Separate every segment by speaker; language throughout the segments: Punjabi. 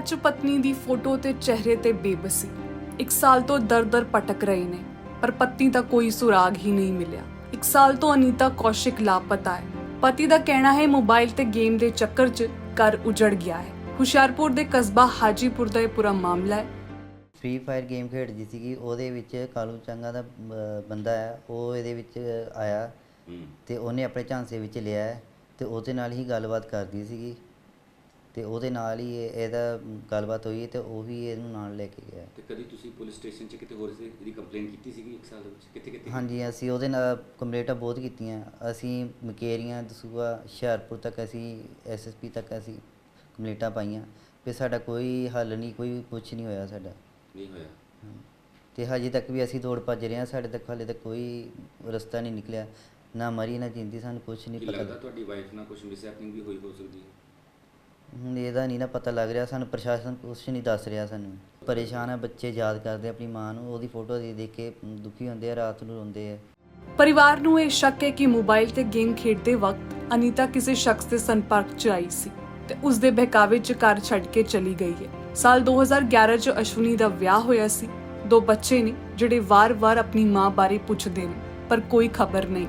Speaker 1: 'ਚ ਪਤਨੀ ਦੀ ਫੋਟੋ ਤੇ ਚਿਹਰੇ ਤੇ ਬੇਬਸੀ। 1 ਸਾਲ ਤੋਂ ਦਰ-ਦਰ ਭਟਕ ਰਹੇ ਨੇ, ਪਰ ਪਤੀ ਦਾ ਕੋਈ ਸੁਰਾਗ ਹੀ ਨਹੀਂ ਮਿਲਿਆ। 1 ਸਾਲ ਤੋਂ ਅਨੀਤਾ ਕੌਸ਼ਿਕ ਲਾਪਤਾ ਹੈ। ਪਤੀ ਦਾ ਕਹਿਣਾ ਹੈ ਮੋਬਾਈਲ ਤੇ ਗੇਮ ਦੇ ਚੱਕਰ 'ਚ ਘਰ ਉਜੜ ਗਿਆ ਹੈ। ਹੁਸ਼ਿਆਰਪੁਰ ਦੇ ਕਸਬਾ ਹਾਜੀਪੁਰ ਦਾ ਇਹ ਪੂਰਾ ਮਾਮਲਾ ਹੈ।
Speaker 2: ਫ੍ਰੀ ਫਾਇਰ ਗੇਮ ਖੇਡਦੀ ਸੀਗੀ, ਉਹਦੇ ਵਿੱਚ ਕਾਲੂ ਚੰਗਾ ਦਾ ਬੰਦਾ ਹੈ, ਉਹ ਇਹਦੇ ਵਿੱਚ ਆਇਆ ਤੇ ਉਹਨੇ ਆਪਣੇ ਝਾਂਸੇ ਵਿੱਚ ਲਿਆ ਹੈ ਤੇ ਉਹਦੇ ਨਾਲ ਹੀ ਗੱਲਬਾਤ ਕਰਦੀ ਸੀਗੀ ਤੇ ਉਹਦੇ ਨਾਲ ਹੀ ਇਹਦਾ ਗੱਲਬਾਤ ਹੋਈ ਤੇ ਉਹ ਵੀ ਇਹਨੂੰ ਨਾਲ ਲੈ ਕੇ ਗਿਆ।
Speaker 3: ਤੇ ਕਦੀ ਤੁਸੀਂ ਪੁਲਿਸ ਸਟੇਸ਼ਨ 'ਚ ਕਿਤੇ ਹੋਰ ਇਹਦੀ ਕੰਪਲੇਂਟ ਕੀਤੀ ਸੀਗੀ 1 ਸਾਲ ਦੇ ਵਿੱਚ? ਕਿੱਥੇ?
Speaker 2: ਹਾਂਜੀ, ਅਸੀਂ ਉਹਦੇ ਨਾਲ ਕੰਪਲੇਂਟਾਂ ਬਹੁਤ ਕੀਤੀਆਂ। ਅਸੀਂ ਮਕੇਰੀਆਂ, ਦਸੂਹਾ, ਹੁਸ਼ਿਆਰਪੁਰ ਤੱਕ ਅਸੀਂ SSP ਤੱਕ ਅਸੀਂ ਕੰਪਲੇਂਟਾਂ ਪਾਈਆਂ ਤੇ ਸਾਡਾ ਕੋਈ ਹੱਲ ਨਹੀਂ, ਕੋਈ ਕੁਛ ਨਹੀਂ ਹੋਇਆ ਸਾਡਾ।
Speaker 3: ਨਹੀਂ ਹੋਇਆ?
Speaker 2: ਤੇ ਹਜੇ ਤੱਕ ਵੀ ਅਸੀਂ ਦੌੜ ਭੱਜ ਰਹੇ ਹਾਂ, ਸਾਡੇ ਤੱਕ ਹਾਲੇ ਤੱਕ ਕੋਈ ਰਸਤਾ ਨਹੀਂ ਨਿਕਲਿਆ, ਨਾ ਮਰੀ ਨਾ ਜਿੰਦੀ, ਸਾਨੂੰ ਕੁਛ ਨਹੀਂ ਪਤਾ।
Speaker 3: ਲੱਗਦਾ ਤੁਹਾਡੀ ਵਾਈਫ ਨਾਲ ਕੁਝ ਮਿਸਹੈਪਨਿੰਗ ਵੀ ਹੋਈ ਹੋ ਸਕਦੀ ਹੈ?
Speaker 2: ਹੁਣ ਇਹਦਾ ਨਹੀਂ ਨਾ ਪਤਾ ਲੱਗ ਰਿਹਾ ਸਾਨੂੰ, ਪ੍ਰਸ਼ਾਸਨ ਕੁਛ ਨਹੀਂ ਦੱਸ ਰਿਹਾ ਸਾਨੂੰ। ਪਰੇਸ਼ਾਨ ਹੈ, ਬੱਚੇ ਯਾਦ ਕਰਦੇ ਆਪਣੀ ਮਾਂ ਨੂੰ, ਉਹਦੀ ਫੋਟੋ ਦੇਖ ਕੇ ਦੁਖੀ ਹੁੰਦੇ ਆ, ਰਾਤ ਨੂੰ ਰੋਂਦੇ ਆ।
Speaker 1: ਪਰਿਵਾਰ ਨੂੰ ਇਹ ਸ਼ੱਕ ਹੈ ਕਿ ਮੋਬਾਈਲ ਤੇ ਗੇਮ ਖੇਡਦੇ ਵਕਤ ਅਨੀਤਾ ਕਿਸੇ ਸ਼ਖਸ ਦੇ ਸੰਪਰਕ 'ਚ ਆਈ ਸੀ ਤੇ ਉਸ ਦੇ ਬਹਿਕਾਵੇ 'ਚ ਘਰ ਛੱਡ ਕੇ ਚਲੀ ਗਈ ਹੈ। ਸਾਲ 2011 'ਚ ਅਸ਼ਵਨੀ ਦਾ ਵਿਆਹ ਹੋਇਆ ਸੀ। 2 ਬੱਚੇ ਨੇ ਜਿਹੜੇ ਵਾਰ-ਵਾਰ ਆਪਣੀ ਮਾਂ ਬਾਰੇ ਪੁੱਛਦੇ ਨੇ, ਪਰ ਕੋਈ ਖਬਰ ਨਹੀਂ।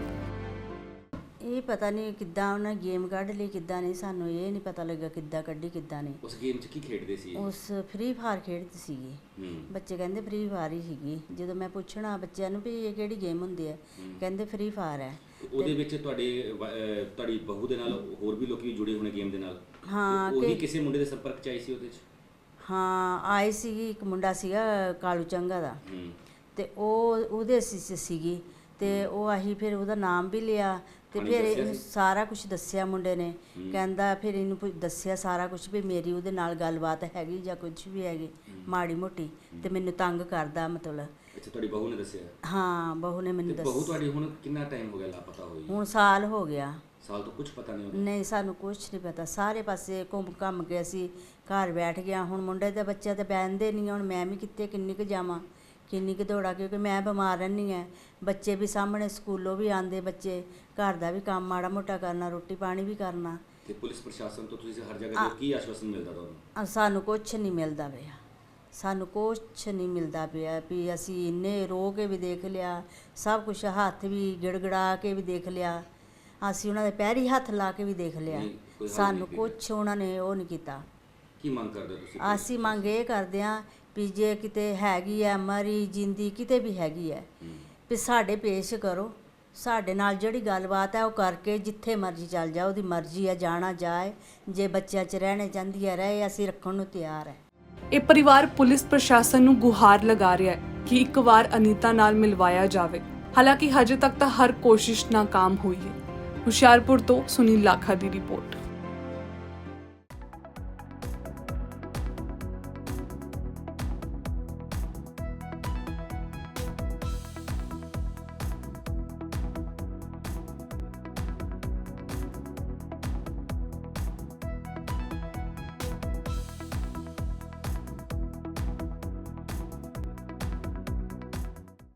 Speaker 4: ਇਹ ਪਤਾ ਨਹੀਂ ਕਿੱਦਾਂ ਉਹਨਾਂ ਗੇਮ ਕੱਢ ਲਈ, ਕਿੱਦਾਂ ਨਹੀਂ, ਸਾਨੂੰ ਇਹ ਨਹੀਂ ਪਤਾ ਲੱਗਾ ਕਿੱਦਾਂ ਕੱਢੀ ਕਿੱਦਾਂ ਨਹੀਂ।
Speaker 3: ਉਸ ਗੇਮ 'ਚ ਕੀ ਖੇਡਦੇ ਸੀ?
Speaker 4: ਉਸ ਫ੍ਰੀ ਫਾਇਰ ਖੇਡਦੀ ਸੀਗੀ। ਬੱਚੇ ਕਹਿੰਦੇ ਫ੍ਰੀ ਫਾਇਰ ਹੀ ਸੀਗੀ। ਜਦੋਂ ਮੈਂ ਪੁੱਛਣਾ ਬੱਚਿਆਂ ਨੂੰ ਵੀ ਇਹ ਕਿਹੜੀ ਗੇਮ ਹੁੰਦੀ ਹੈ, ਕਹਿੰਦੇ ਫ੍ਰੀ ਫਾਇਰ ਹੈ।
Speaker 3: ਉਹਦੇ ਵਿੱਚ ਤੁਹਾਡੀ ਬਹੂ ਦੇ ਨਾਲ ਹੋਰ ਵੀ ਲੋਕੀ ਜੁੜੇ ਹੋਣੇ ਗੇਮ ਦੇ ਨਾਲ?
Speaker 4: ਹਾਂ,
Speaker 3: ਉਹ ਵੀ ਕਿਸੇ ਮੁੰਡੇ ਦੇ ਸੰਪਰਕ 'ਚ ਆਈ ਸੀ ਉਹਦੇ 'ਚ?
Speaker 4: ਹਾਂ, ਆਈ ਸੀਗੀ। ਇੱਕ ਮੁੰਡਾ ਸੀਗਾ ਕਾਲੂ ਚੰਗਾ ਦਾ ਤੇ ਉਹ ਉਹਦੇ ਸੀਗੀ ਤੇ ਉਹ ਅਸੀਂ ਫਿਰ ਉਹਦਾ ਨਾਮ ਵੀ ਲਿਆ ਤੇ ਫਿਰ ਇਹਨੂੰ ਸਾਰਾ ਕੁਝ ਦੱਸਿਆ ਮੁੰਡੇ ਨੇ। ਕਹਿੰਦਾ ਫਿਰ ਇਹਨੂੰ ਦੱਸਿਆ ਸਾਰਾ ਕੁਝ ਵੀ ਮੇਰੀ ਉਹਦੇ ਨਾਲ ਗੱਲਬਾਤ ਹੈਗੀ ਜਾਂ ਕੁਝ ਵੀ ਹੈਗੀ ਮਾੜੀ ਮੋਟੀ ਤੇ ਮੈਨੂੰ ਤੰਗ ਕਰਦਾ ਮਤਲਬ।
Speaker 3: ਅੱਛਾ, ਤੁਹਾਡੀ ਬਹੂ ਨੇ ਦੱਸਿਆ?
Speaker 4: ਹਾਂ, ਬਹੂ ਨੇ ਮੈਨੂੰ ਦੱਸਿਆ।
Speaker 3: ਬਹੂ ਤੁਹਾਡੀ ਹੁਣ ਕਿੰਨਾ ਟਾਈਮ ਹੋ ਗਿਆ ਲਾਪਤਾ ਹੋਈ?
Speaker 4: ਹੁਣ ਸਾਲ ਹੋ ਗਿਆ।
Speaker 3: ਸਾਲ ਤੋਂ ਕੁਝ ਪਤਾ ਨਹੀਂ?
Speaker 4: ਨਹੀਂ, ਸਾਨੂੰ ਕੁਝ ਨਹੀਂ ਪਤਾ। ਸਾਰੇ ਪਾਸੇ ਘੁੰਮ ਕੇ ਅਸੀਂ ਘਰ ਬੈਠ ਗਿਆ। ਹੁਣ ਮੁੰਡੇ ਦੇ ਬੱਚੇ ਤੇ ਬਹਿੰਦੇ ਨਹੀਂ। ਹੁਣ ਮੈਂ ਵੀ ਕਿੱਥੇ ਕਿੰਨੀ ਕੁ ਜਾਵਾਂ, ਕਿੰਨੀ ਕੁ ਦੌੜਾਂ, ਕਿਉਂਕਿ ਮੈਂ ਬਿਮਾਰ ਰਹਿੰਦੀ ਹਾਂ। ਬੱਚੇ ਵੀ ਸਾਹਮਣੇ ਸਕੂਲੋਂ ਵੀ ਆਉਂਦੇ, ਬੱਚੇ ਘਰ ਦਾ ਵੀ ਕੰਮ ਮਾੜਾ ਮੋਟਾ ਕਰਨਾ, ਰੋਟੀ ਪਾਣੀ ਵੀ ਕਰਨਾ।
Speaker 3: ਤੇ ਪੁਲਿਸ ਪ੍ਰਸ਼ਾਸਨ ਤੋਂ ਤੁਸੀਂ ਹਰ ਜਗ੍ਹਾ ਤੇ ਕੀ ਆਸ਼ਵਾਸਨ ਮਿਲਦਾ ਤੁਹਾਨੂੰ?
Speaker 4: ਸਾਨੂੰ ਕੁਝ ਨਹੀਂ ਮਿਲਦਾ ਪਿਆ, ਸਾਨੂੰ ਕੁਛ ਨਹੀਂ ਮਿਲਦਾ ਪਿਆ ਵੀ ਅਸੀਂ ਇੰਨੇ ਰੋ ਕੇ ਵੀ ਦੇਖ ਲਿਆ, ਸਭ ਕੁਝ ਹੱਥ ਵੀ ਗਿੜਗੜਾ ਕੇ ਵੀ ਦੇਖ ਲਿਆ, ਅਸੀਂ ਉਹਨਾਂ ਦੇ ਪੈਰੀ ਹੱਥ ਲਾ ਕੇ ਵੀ ਦੇਖ ਲਿਆ, ਸਾਨੂੰ ਕੁਛ ਉਹਨਾਂ ਨੇ ਉਹ ਨਹੀਂ ਕੀਤਾ।
Speaker 3: ਕੀ ਮੰਗ ਕਰਦੇ ਤੁਸੀਂ? ਅਸੀਂ
Speaker 4: ਮੰਗ ਇਹ ਕਰਦੇ ਹਾਂ ਵੀ ਜੇ ਕਿਤੇ ਹੈਗੀ ਹੈ ਮਰੀ ਜਿੰਦੀ, ਕਿਤੇ ਵੀ ਹੈਗੀ ਹੈ, ਵੀ ਸਾਡੇ ਪੇਸ਼ ਕਰੋ। ਸਾਡੇ ਨਾਲ ਜਿਹੜੀ ਗੱਲਬਾਤ ਹੈ ਉਹ ਕਰਕੇ ਜਿੱਥੇ ਮਰਜ਼ੀ ਚੱਲ ਜਾ, ਉਹਦੀ ਮਰਜ਼ੀ ਹੈ, ਜਾਣਾ ਜਾਏ। ਜੇ ਬੱਚਿਆਂ 'ਚ ਰਹਿਣੇ ਚਾਹੁੰਦੀ ਹੈ ਰਹੇ, ਅਸੀਂ ਰੱਖਣ ਨੂੰ ਤਿਆਰ ਹੈ।
Speaker 1: ਇਹ ਪਰਿਵਾਰ ਪੁਲਿਸ ਪ੍ਰਸ਼ਾਸਨ ਨੂੰ ਗੁਹਾਰ ਲਗਾ ਰਿਹਾ ਹੈ ਕਿ ਇੱਕ ਵਾਰ ਅਨੀਤਾ ਨਾਲ ਮਿਲਵਾਇਆ ਜਾਵੇ। ਹਾਲਾਂਕਿ ਹਜੇ ਤੱਕ ਤਾਂ ਹਰ ਕੋਸ਼ਿਸ਼ ਨਾਕਾਮ ਹੋਈ ਹੈ। ਹੁਸ਼ਿਆਰਪੁਰ ਤੋਂ ਸੁਨੀਲ ਲਾਖਾ ਦੀ ਰਿਪੋਰਟ।